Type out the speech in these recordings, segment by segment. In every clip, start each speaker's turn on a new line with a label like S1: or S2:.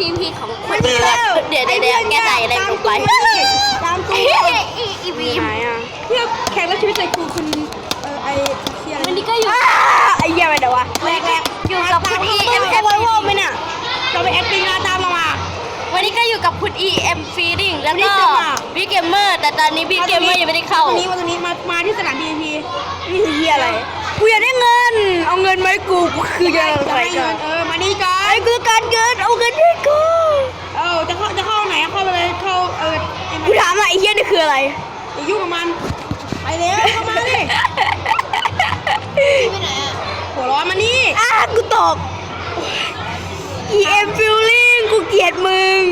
S1: พีของคุณเดี๋ยวแกใส่อะไรลงไป
S2: ตามกู
S1: อีวีม
S2: เพื่อแขกรับเชิญใส่กูคุณไอเชียร์
S1: วันนี้ก็อยู่
S2: ไอเหี้ยไปเดี๋ยววะแรก
S1: อยู่กับคุณ EM
S2: ไอวอลโว่ไหมเนี่ยเราไปแอคติ้งตามมา
S1: วันนี้ก็อยู่กับคุณ EM Feeding แล้ว
S2: วันนี้
S1: ก็
S2: จะมา
S1: Big Gamer แต่ตอนนี้ Big Gamer ยังไม่ได้เข้า
S2: วันนี้มาที่สนาม BNP นี่คือเหี้ยอะไรกูอยากได้เงินเอาเงินไหมกูคือจะให้เงินมานี่ก่อนไอ้คือการเงินเอาเงินให้กูจะเข้าไหนเข้าไปเลยเข้ากูถามว่าไอ้เหี้ยนี่คืออะไรอย่ายุ่งกับมันไปเลยเข้ามาดิไปไหนอ่ะหัวร้อนมานี่กูตก EM Feeling กูเกลียดมึง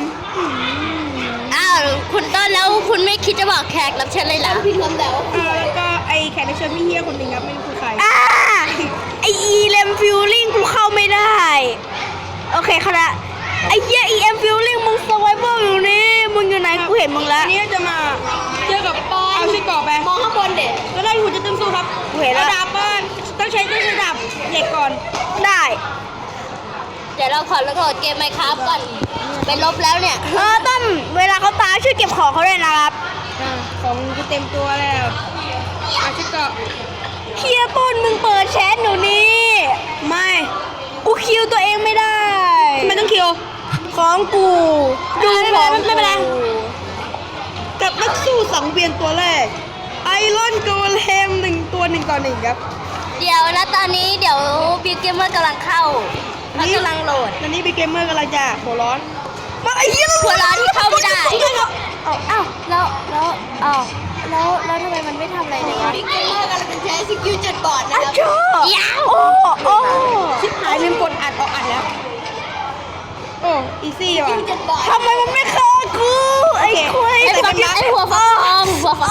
S1: อ้าวคุณต้นแล้วคุณไม่คิดจะบอกแขกรับเชิญเลยเหรอ
S2: พี่ทำแล้วก็ไอ้แขกรับเชิญพี่เฮียคนหนึ่งครับไม่รู้คือใครไอ้ EM Feeling กูเข้าไม่ได้โอเคค่ะนะไอ้เฮีย EM Feeling มึง survival อยู่นี่มึงอยู่ไหนกูเห็นมึงแล้วนี่จะมาเจอกับเอาชิ้นกรอบไปมองข้างบนเด็กก็ได้หุ่นจะตึงสู้ครับกูเห็นแล้วดาบบ้านต้องใช้ดาบเหล็กก่อนได้
S1: เดี๋ยวเราขอโหลดเกมไมค์ครับก่อนไปลบแล้วเนี่ย
S2: ต้นเวลาเขาตายช่วยเก็บของเขาด้วยนะครับของกูเต็มตัวแล้วอาชิกะเคียต้นมึงเปิดแชทหนูนี่ไม่กูคิวตัวเองไม่ได้ไม่ต้องคิวของกูดูของไม่เป็นไรกับนักสู้สังเวียนตัวแรกไอรอนโกเลม1 ต่อ 1ครับ
S1: เดี๋ยวนะตอนนี้เดี๋ยว Big Gamer กำลังเข้าเขากำลังโหลด
S2: ตอนนี้Big Gamerกำลังจะหัวร้อนมาไอ้เหี้ย
S1: หัวร้อนที่เข้าไม่ได้อ้าวแล้วทำไมมันไม่ทำอะไรเลยวะ
S3: Big Gamer กำลังจะใช้สกิลจุดบอดนะครับ
S1: ยาว
S2: โอ้ชิบหายลืมกดอัดแล้วโอ้อีซี่ว่ะทำไมมันไม่เข้ากูไอ้คุย
S1: ไอ้หัวฟักทอง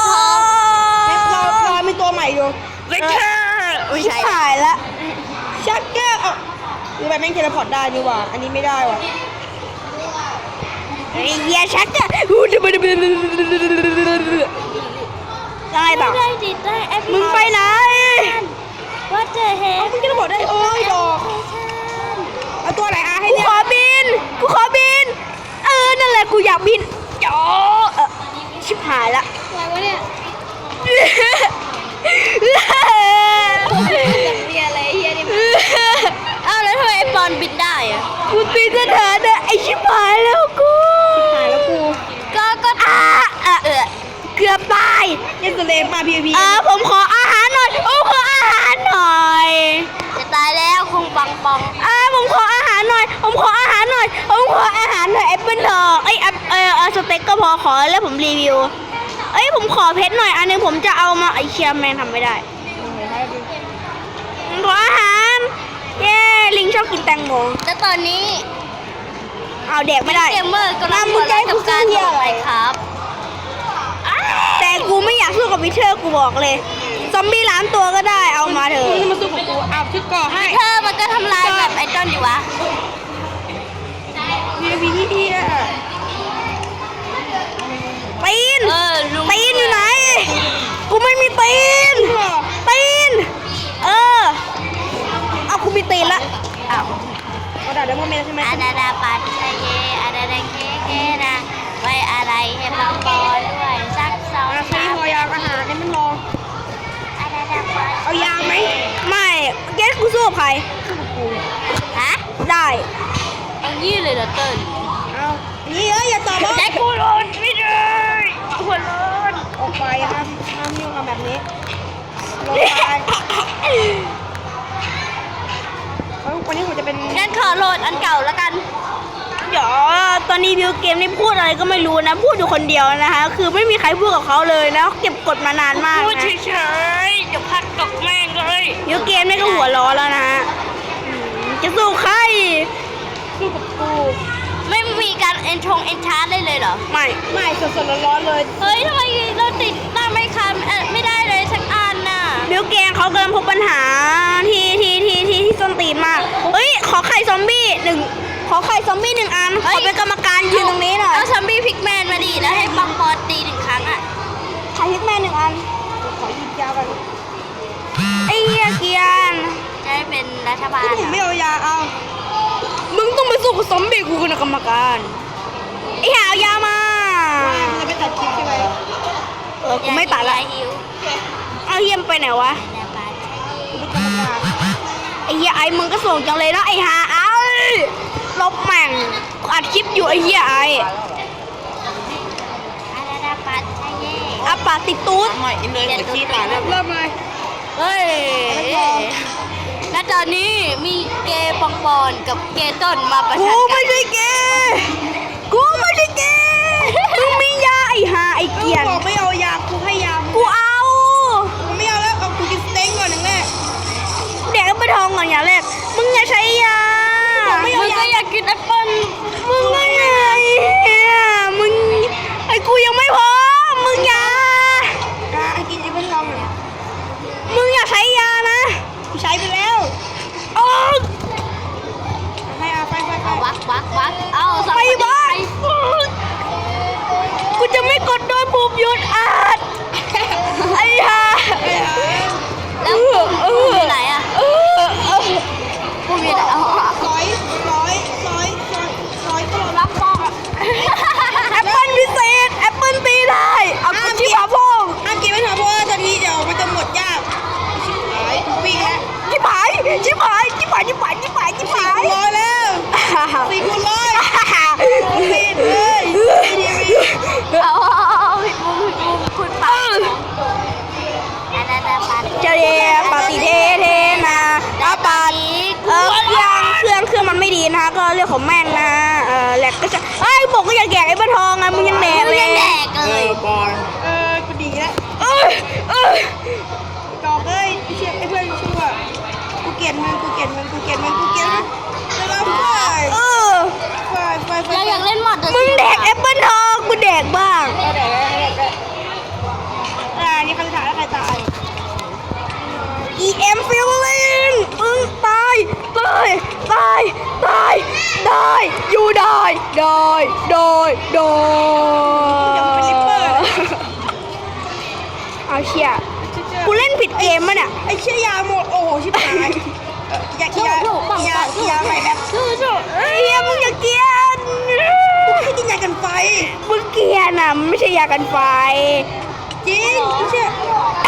S2: รอมีตัวใหม่อยู่ชิบหายละชักเกอร์หรือแบบแม่งเทเลพอร์ตได้นี่ว่ะอันนี้ไม่ได้ว่ะไอ้เหี้ยชักเกอร์ได้ต่อมึงไปไหน
S1: What the hell
S2: มึงจะบอกได้โอ้ยดอกเอาตัวไหนให้เนี่ยกูขอบินนั่นแหละกูอยากบินจ๋อชิบหายละ
S3: อะไรวะเนี่ยเรียอะไรเฮียนี่
S1: อ้าวแล้วทำไมไอปอนบินได้อะ
S2: กูตีสถานะไอชิบหายแล้วกูก็เกือบตายยังตัวเล็กมาพีผมขออาหารหน่อย
S1: จะตายแล้วคงปัง
S2: ผมขออาหารหน่อยแอปเปิ้ลทองสเต็กก็พอขอแล้วผมรีวิวผมขอเพชรหน่อยอันนึงผมจะเอามาไอเชียร์แมนทำไม่ได้ขออาหารเย้ลิงชอบกินแตงโม
S1: แล้วตอนนี้
S2: เอาเด็กไม่ได้
S1: เกมเมอร์กำลังหัวร้อนกับการโหลดไมค์ครับ
S2: แต่กูไม่อยากสู้กับวิเทอร์กูบอกเลยซอมบี้ล้านตัวก็ได้เอามาเถอะมึงมาสู้กับกูเอาชุดก่อให้
S1: เธอมันก็ทำลายแบบไอดอลอยู่วะ
S2: มีที่ปีนอยู่ไหนกูไม่มีปีนเอากูมีตีนละกระดาษเดโมเมนต์ใช่ไหม
S1: อาดาดาปาทิเยอาดาดาเคนะไว้อะไรให้ปังปอด้วยสัก2
S2: ใช้พอยางอาหารเนี่ยมันรอเอายางไหมไม่เกสกูสู้กับใคร
S1: ฮะ
S2: ได้
S1: เอายี่เลยเหรอเติ้ล
S2: เอานี่อย่าตอบว่า
S1: แต่กูร้อนไม่ได้หัวร้อน
S2: ออกไปห้ามยุ่งกับแบบนี้ลงไปวันนี้ผมจะเป็น
S1: งั้นขอโหลดอันเก่าแล้วกัน
S2: เดี๋ยวตอนนี้วิวเกมนี่พูดอะไรก็ไม่รู้นะพูดอยู่คนเดียวนะคะคือไม่มีใครพูดกับเขาเลยนะเก็บกดมานานมากนะ
S1: พูดเฉยๆเดี๋ยวพักตกแม่งเลย
S2: วิวเกมนี่ก็หัวร้อนแล้วนะจะสู้ใครสู้กับกู
S1: ไม่มีการเอนชาร์ได้เลยเหรอ
S2: ไม่สดๆร้อนๆเลย
S1: เฮ้ยทำไมเราติดตั้งไม่คันไม่ได้เลยสักอันน่ะ
S2: วิวเกมเขากำลังพบปัญหาที่ส้นตีนมากขอไข่ซอมบี้1 อันขอเป็นกรรมการยืนตรงนี้หน่อย
S1: เอาซอมบี้พิกแมนมาดิแล้วให้ปังปอตี1 ครั้งอ่ะ
S2: ไข่พิกแมน1 อันขอยิงยาวกันไอ้เหี้ยเกียน
S1: จะได้เป็นรัฐบาล
S2: ผมไม่เอายาเอามึงต้องไปสู้กับซอมบี้กูคณะกรรมการไอ้หาวยามา
S3: จะไปตัดคลิปใช่ไหม
S2: กูไม่ตัดละ
S1: หิว
S2: เอาเยี่ยมไปไหนวะ
S1: อาราบัตชาเย่
S2: ไอ้เหี้ยไอ้มึงก็ส่งจังเลยนะไอ้หาเอาลบแม่งกูอัดคลิปอยู่ไอ้เหี้ยไอ้
S1: อาราบัตชาเย่
S2: อาปากติดตูด
S3: หน่อยอินเลยกับขี้ตาเนี่ย
S2: เริ่มเลยเฮ้ยและตอนนี้มีเกย์ปองปอนกับเกย์ต้นมาประชันกันกูไม่ใช่เกย์กูไม่ใช่เกย์มึงมียาไอ้หาไอ้เกียน
S3: บอกไม่เอายากูให้ยา
S2: กูเอา
S3: ไม่เอาแล้วเอากูกินสเต็กก่อนหนึ่งแม่
S2: เด็กก็ไปทองก่อนอย่างแรกมึงอย่าใช้ยามึงก็อยากกินแอปเปิ้ลมึงก็ไงมึงไอ้กูยังไม่พร้อมมึงอย่า
S3: กินไอ้เพื่อนลองเนี่ย
S2: มึงอย่าใช้ยานะ
S3: กูใช้ไปแล้ว
S2: โอ้
S3: ให้เอาไป
S1: วักเอา
S2: ไปบ้านกูจะไม่กดโดนบูมหยุดอาดไอ้ห่า
S1: แล้วอยู่ไหนอ่ะกูอยู่ไหนเอา
S3: ร้อยก็รับฟองอ่ะ
S2: แอปเปิ้ลพิเศษแอปเปิ้ลตีได้เอากูชิบหาพ่อง
S3: ห้ามกินไม่ทันเพราะว่าตอนนี้เดี๋ยวมันจะหมดยากหายกูวิ่งแล้ว
S2: ชิบหายชิบหายชิบหายชิบหายชิบหายชิบหาย
S3: ร้อยแล้ว4 คูณร้อยผิดเลย
S1: เอาผิดมุมคุณปาอาราบัต
S2: เจเรียปาติเทเทนะอาปาติเครื่องมันไม่ดีนะก็เรื่องของแม่งนะแหลกก็จะเอ้ยบอกก็อย่าแกะไอ้บ้าทองไงมึงยังแดกเลย
S1: ยังแดกเลย
S3: บอลกูดีแล้ว
S2: เอ้ย
S3: จอกเอ้ยไอ้เพื่อนชั่วกูเกลียดมึงแล้วไป
S1: เราอยากเล่นมอด
S2: มึงแดกแอปเปิลทองกูแดกบ้าง
S3: นี่คำถามแล้วใครตาย
S2: EM feeling มึงตายได้อยู่ได้เอาเชี่ยกูเล่นผิดเกมมั้เนี่ย
S3: ไอ้เชี่ยยาหมดโอ้โหชิบหายยาใหม่แบบ
S2: เฮ้ยมึงอย่าเกลียน
S3: ไม่กินยากันไฟ
S2: มึงเกลียนอ่ะมันไม่ใช่ยากันไฟ
S3: จริงไม่เชื่อ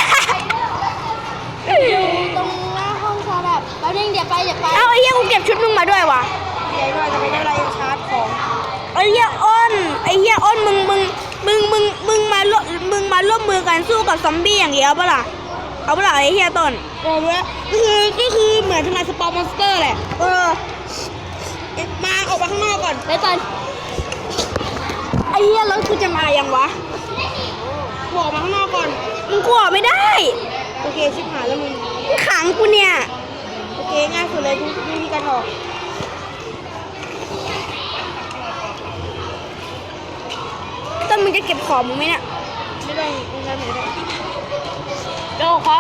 S1: ตรงหน้าห้องชาแบบแป๊บนึงเดี๋ยวไป
S2: เอาไอ้เหี้ยกูเก็บชุดมึงมาด้วยว่ะ
S3: เดี๋ยวด้วยจะไม่ได้เวลายังชาร์จของ
S2: ไอ้เหี้ยอ้นมึงมาร่วมมือกันสู้กับซอมบี้อย่างเดียวปะล่ะเอาปะล่ะไอ้เหี้ยต้น
S3: รู้แล้วก็คือเหมือนทำลายสปอร์มอนสเตอร์แหละมาออกมาข้างนอกก่อน
S1: ไปตอน
S2: ไอ้เหี้ยแล้วกูจะมายังวะ
S3: ออกมาข้างนอกก่อน
S2: มึงกลัวไม่ได้
S3: โอเคชิบหายแล้วมึง
S2: มึงขังกูเนี่ย
S3: โอเคง่ายสุดเลยทุกวิธีการออก
S2: ต้นมึงจะเก็บของมึงไหมเนี่ย
S3: ไม่ต้องไม่ต้อง
S1: โดของ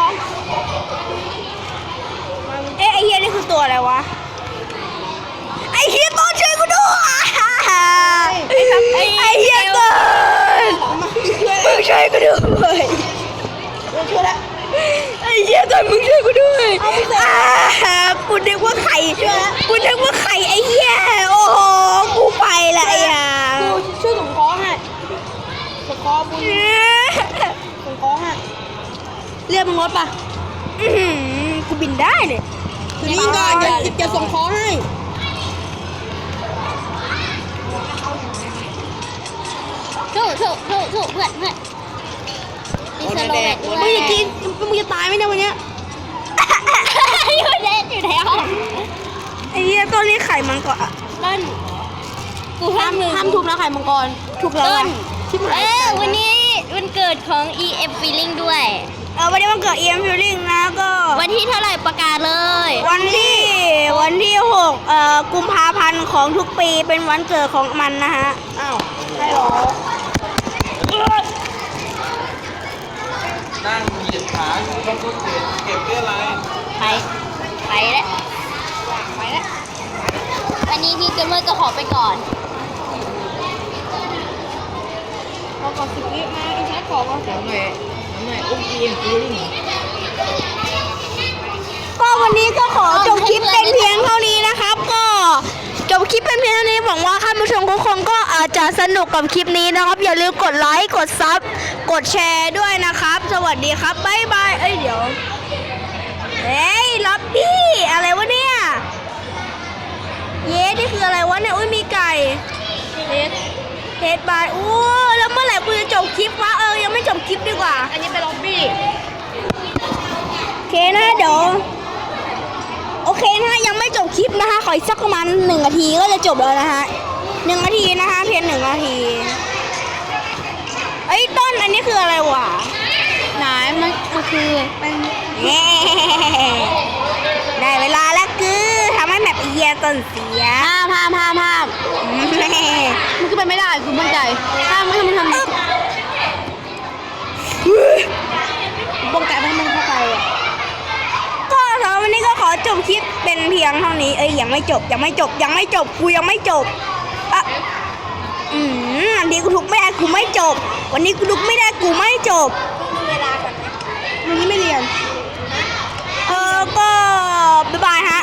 S2: เอ๊ะไอ้เหี้ยนี่คือตัวอะไรวะไอ้เหี้ยต้นช่วยกูด้วยไอ้เหี้ยต้นมึงช่วยกูด้วย
S3: ช่วยแล้ว
S2: ไอ้เหี้ยต้นมึงช่วยกูด้วยกูนึกว่าไข่ไอ้เหี้ยโอ้โหกูไปละไอ้ห่า
S3: กูช่วยส่งของให้ส่งของบุญส่งของให้เรียกมึงรถป่ะ
S2: กูบินได้เนี่ย
S3: ถือนี่ก่อนจะส่งของให้
S1: ถูกเพื่อนมีสโลแวตด้วย
S3: มึงจะกินมึงจะตายไหมเนี่ยวันเนี้ย
S1: อยู่ในห้อง
S2: ไอ้เหี้ยต้นนี้ไข่มันก็
S1: ต้นกูห้าม
S3: ห้ามทุบนะไข่มังกร
S2: ถูกแล้ว
S1: ต้
S2: อะ
S1: นวันนี้วันเกิดของ EF Feeling ด้วย
S2: วันนี้วันเกิด EM Feeling นะก็
S1: วันที่เท่าไหร่ประกาศเลย
S2: วันที่6กุมภาพันธ์ของทุกปีเป็นวันเกิดของมันนะฮะ
S3: อ้าวใช่หรอ
S4: นั่งเหยียดขาอยู่ต้องเก็บเรื่องอะไร
S1: ไปแล้ววันนี้พี่เกมเมอร์ก็ขอไปก่อน
S3: พอก่อน10 วิมาอีแชทของมา
S4: น้ำหน่อยอุ้มเอ็มฟูลิ่ง
S2: ก็วันนี้ก็ขอจบคลิปเป็นเพียงเท่านี้นะครับ ก็ลิปเป็นเพียงเท่านี้หวังว่าท่านผู้ชมทุกคนก็อาจจะสนุกกับคลิปนี้นะครับ อย่าลืมกดไลค์กดซับกดแชร์ด้วยนะครับ สวัสดีครับบ๊ายบายเอ้ยเดี๋ยวเฮ้ยล็อบบี้อะไรวะเนี่ยเย้นี่คืออะไรวะเนี่ยอุ้ยมีไก่เฮดบายอู้แล้วเมื่อไหร่กูจะจบคลิปวะยังไม่จบคลิปดีกว่า
S3: อันนี้เป็นล็อบบี้
S2: โอเคนะเดี๋ยวโอเคนะยังไม่จบคลิปนะคะขออีกสักประมาณ1 นาทีก็จะจบแล้วนะฮะ1 นาทีนะคะเพียง1 นาทีไอ้ยต้นอันนี้คืออะไรวะ
S3: ไหนมันคือเป็น
S2: เย้ได้เวลาแล้วคือทำให้แมปเอียต้นเสีย
S3: ภาพมันคือเป็นไม่ได้คือมั่นใจถ้าไม่ทำป้องกันไม่ให้มันเข้าไปอ่ะ
S2: ก็สำหรับวันนี้ก็ขอจบคลิปเป็นเพียงเท่านี้ยังไม่จบกูยังไม่จบอันนี้กูทุกไม่ได้กูไม่จบวันนี้กูทุกไม่ได้กูไม่จบ
S3: วันนี้ไม่เรียน
S2: ก็บ๊ายบายฮะ